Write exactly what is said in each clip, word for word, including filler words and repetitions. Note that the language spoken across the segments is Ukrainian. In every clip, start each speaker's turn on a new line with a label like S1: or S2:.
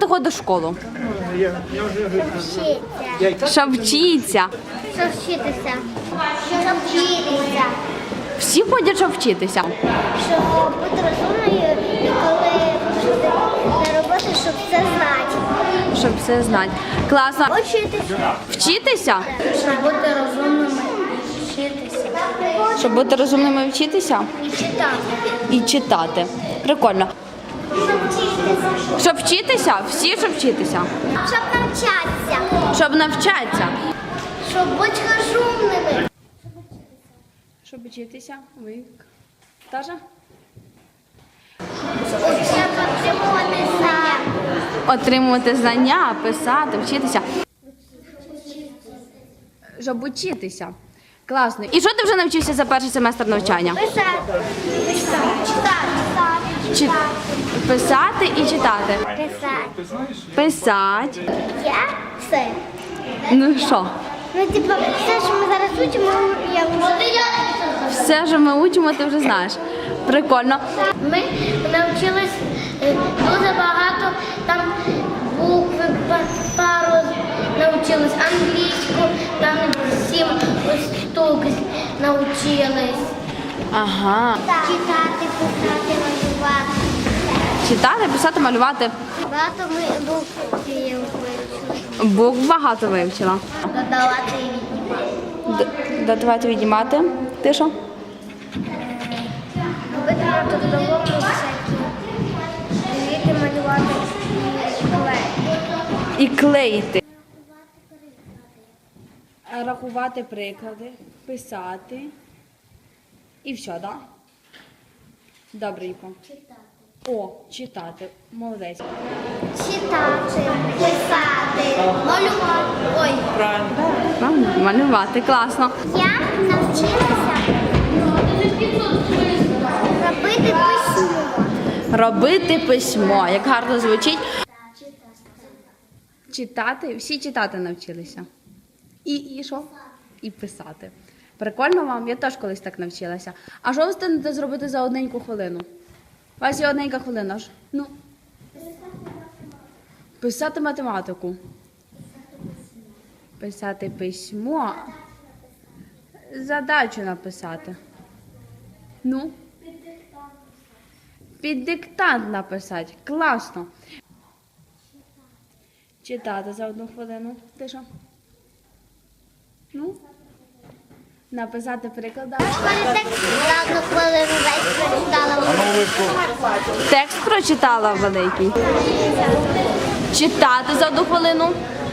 S1: ходиш в школу?
S2: Вчиться.
S1: Щоб вчитися.
S2: Щоб вчитися. Щоб вчитися.
S1: Всі ходять, щоб вчитися.
S2: Щоб бути розумною і коли пішли на роботу, щоб все знати.
S1: Щоб все знати. Класно.
S2: Вчитися.
S1: Вчитися?
S2: Щоб бути розумними. Вчитися.
S1: Щоб бути розумними і вчитися?
S2: І читати.
S1: І читати. Прикольно.
S2: Щоб вчитися.
S1: Щоб вчитися? Всі, щоб вчитися.
S2: Щоб навчатися.
S1: Щоб навчатися.
S2: Щоб бути розумними.
S1: Щоб вчитися. Ви теж?
S2: Щоб отримувати знання.
S1: Отримувати знання, писати, вчитися. Щоб вчитися. Класно. І що ти вже навчився за перший семестр навчання?
S2: Писати. Читати.
S1: Чи... Писати і читати.
S2: Писати.
S1: Писати.
S2: Я все.
S1: Ну що?
S2: Ну, типу, все, що ми зараз учимо, я вже...
S1: Все, що ми учимо, ти вже знаєш. Прикольно.
S2: Ми навчились е, дуже багато там букви, па- пару навчились, англійську, там сім штук навчились.
S1: Ага.
S2: Читати, писати, малювати.
S1: Читати, писати, малювати.
S2: Багато ми букви вивчили.
S1: Букв багато вивчила.
S2: Додавати і віднімати.
S1: Д- Додавати, віднімати. Ти що?
S2: Робити трудовому всякі. Вміти малювати і клеїти.
S1: І клеїти. Рахувати приклади, писати. І все, так? Да? Добренько. О, читати. Молодець.
S2: Читати, писати, малювати. Ой.
S1: Правильно? Малювати. Класно.
S2: Я навчилася робити письмо.
S1: Робити письмо. Як гарно звучить. Читати. Всі читати навчилися. І, і що? І писати. Прикольно вам? Я теж колись так навчилася. А що ви встигнете зробити за одненьку хвилину? У вас є одненька хвилина ж? Ну. Писати математику. Писати письмо. Задачу написати. Ну? Під диктант написати. Класно. Читати за одну хвилину. Ти що? Ну? Написати приклад.
S2: Мене текст за одну хвилину весь прочитала.
S1: Текст прочитала великий. Читати за одну хвилину.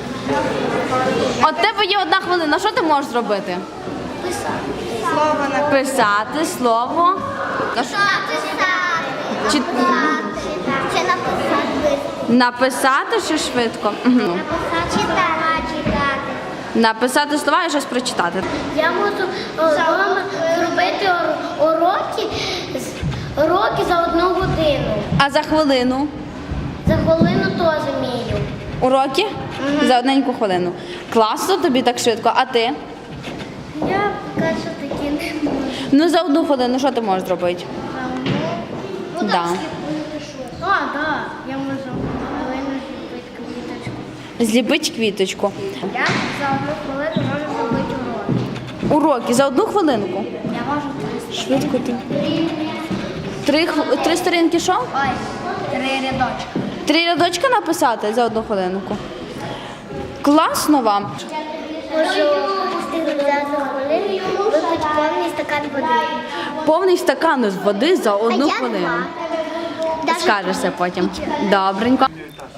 S1: От тебе є одна хвилина. Що ти можеш зробити?
S2: Писати.
S1: Писати слово.
S2: Писати.
S1: Чи...
S2: Чи написати.
S1: Написати чи швидко? Угу.
S2: Написати. Читати. Читати.
S1: Написати слова і щось прочитати.
S2: Я можу вдома зробити ор- уроки, з- уроки за одну годину.
S1: А за хвилину?
S2: За хвилину теж вмію.
S1: Уроки? За одненьку хвилину. Класно тобі так швидко. А ти?
S2: Я поки що таки не можу.
S1: Ну за одну хвилину що ти можеш зробити?
S2: Ну,
S1: Да.
S2: А, так, я можу хвилину зробити квіточку.
S1: Зліпити квіточку.
S2: Я за одну хвилину можу зробити уроки.
S1: Уроки за одну хвилинку.
S2: Я можу три.
S1: Швидко ти. Три, хв- три сторінки що?
S2: Ой, три рядочки.
S1: Три рядочки написати за одну хвилинку. Класно вам.
S2: Можу встигнути за одну хвилину випити повний стакан води.
S1: Повний стакан з води за одну
S2: А я
S1: хвилину.
S2: два.
S1: Скажешся потім. Добренько.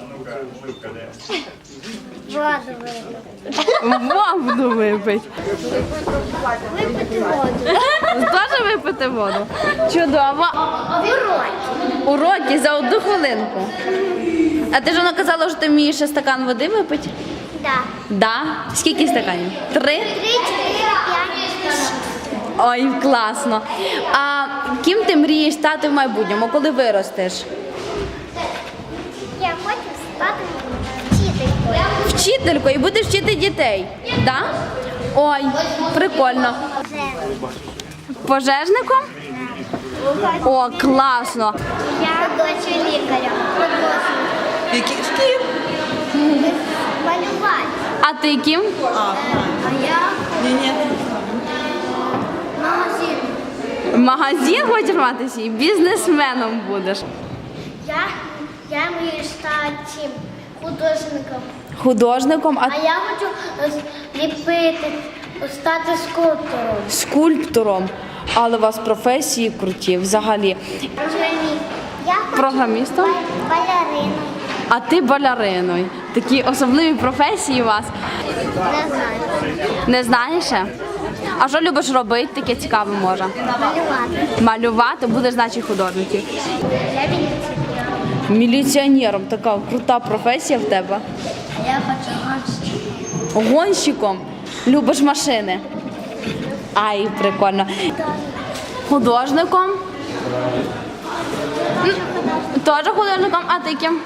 S2: Воду випити.
S1: Воду випити.
S2: Випити воду.
S1: Теж випити воду. Чудово.
S2: Уроки.
S1: Уроки за одну хвилинку. А ти ж вона казала, що ти вмієш ще стакан води випити?
S2: Так.
S1: Да. Скільки стаканів? Три?
S2: Три, чотири, п'ять.
S1: Ой, класно. А ким ти мрієш стати в майбутньому, коли виростеш?
S2: Я хочу стати вчителькою.
S1: Вчителькою і будеш вчити дітей. Да? Ой, прикольно. Пожежником? О, класно.
S2: Я дочу лікаря.
S1: Які шкіл?
S2: Малювати.
S1: А ти ким?
S2: А я
S3: Ні-ні.
S2: магазин.
S1: Магазин хочеш мати свій? Бізнесменом будеш.
S2: Я, я мрію стати цим художником.
S1: Художником, а
S2: А я хочу ліпити, стати скульптором.
S1: скульптором. Але у вас професії круті взагалі.
S2: Я хочу
S1: Програмістом?
S2: балериною.
S1: А ти балериною. Такі особливі професії у вас.
S2: Не знаю.
S1: Не знаєш ще? А що любиш робити? Таке цікаве може.
S2: Малювати.
S1: Малювати, будеш, значить, художників.
S2: Я міліціонер.
S1: Міліціонером, така крута професія в тебе.
S2: Я хочу гонщик.
S1: Гонщиком. Любиш машини. Ай, прикольно. Художником. М, Теж художником, а ти ким?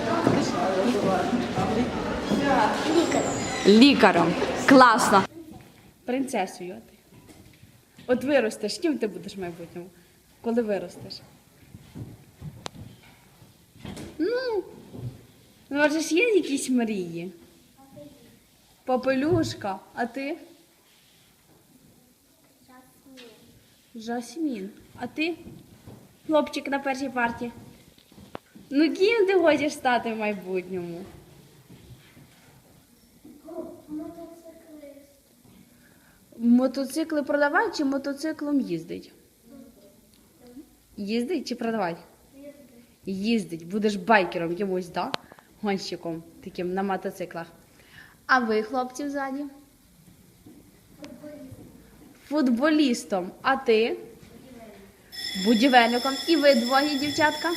S2: Лікар.
S1: Лікарем. Класно. Принцесою а ти. От виростеш, ким ти будеш в майбутньому? Коли виростеш? Ну, ну, може ж є якісь мрії? Попелюшка, а ти? Жасмін. А ти? Хлопчик на першій парті. Ну ким ти хочеш стати в майбутньому? Мотоцикли продавати чи мотоциклом їздить? Їздить чи продавати? Їздить. Будеш байкером якимось, да? Гонщиком таким на мотоциклах. А ви, хлопці, ззаді? Футболістом. А ти? Будівельником. І ви двоє, дівчатка?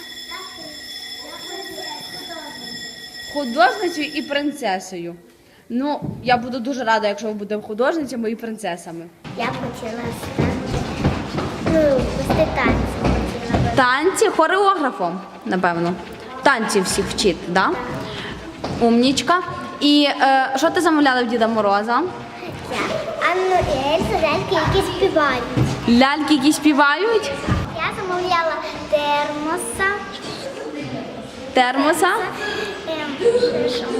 S1: Художницею і принцесою. Ну, я буду дуже рада, якщо ви будете художницями і принцесами.
S2: Я б хотіла стати, ну, вести танці хотіла би.
S1: Танці хореографом, напевно. Танці всіх вчити, да? Умнічка. І е, що ти замовляла в Діда Мороза?
S2: Я Анну і Ельзу, ляльки, які співають.
S1: Ляльки, які співають?
S2: Я замовляла термоса.
S1: Термоса?
S2: Ем, ще що?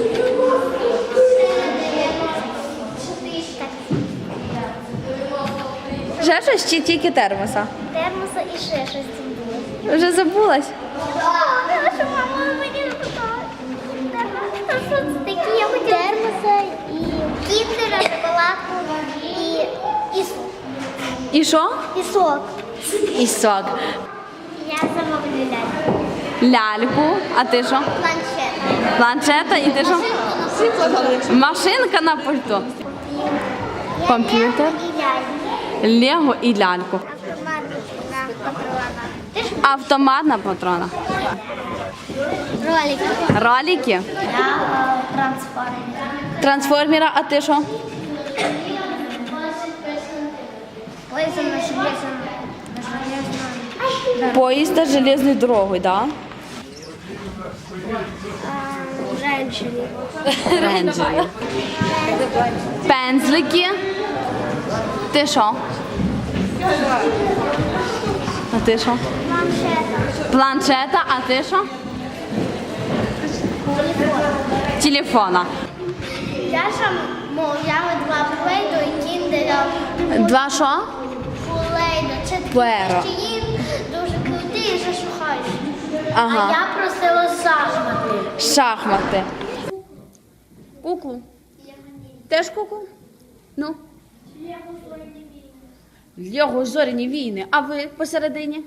S2: Так,
S1: Ще щось чи тільки термоса?
S2: термоса і ще щось там було.
S1: Вже забулась?
S2: Наша мама мені розказала. Та що це такі? Я хотіла термоса і кіндера, шоколадку і, і,
S1: І що?
S2: і сок.
S1: І сок.
S2: Я замовлю ляльку.
S1: Ляльку. А ти що?
S2: Планшет.
S1: Планшета і ти що? Машинка на пульту. Комп'ютер.
S2: І ляльку.
S1: Лего і ляльку.
S2: Автомат на патронах. Ти ж
S1: Автомат на патронах.
S2: ролики.
S1: Ролики.
S2: Я трансформер.
S1: Трансформера, а ти що?
S2: Поїздом на железом. На железном.
S1: Поїзд з железною дорогою, да?
S2: Женщині.
S1: Рейнджери. Пензлики. Ти що? А ти що?
S2: Планшета.
S1: Планшета, а ти що? Телефона.
S2: Я ж мовляла два плейду і кіндера.
S1: Два що?
S2: Плейду. Це
S1: Пуеро.
S2: такі, що їм дуже круті і зашухають.
S1: Ага.
S2: А я просила шахмати.
S1: Шахмати. Куклу. Теж куклу? Ну. Лего зоряні війни. А ви посередині?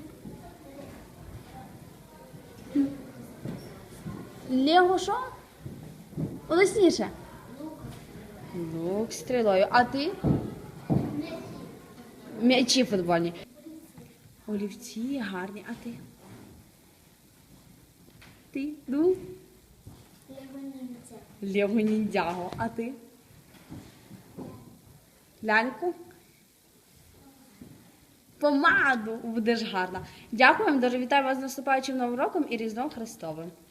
S1: Лего що? Голосніше. Лук стрілою. А ти? М'ячі футбольні. Олівці гарні. А ти? Ти? Ну? Лего ніндзяго. А ти? Ляльку? Помаду будеш гарна. Дякую вам, дуже вітаю вас з наступаючим Новим роком і Різдвом Христовим.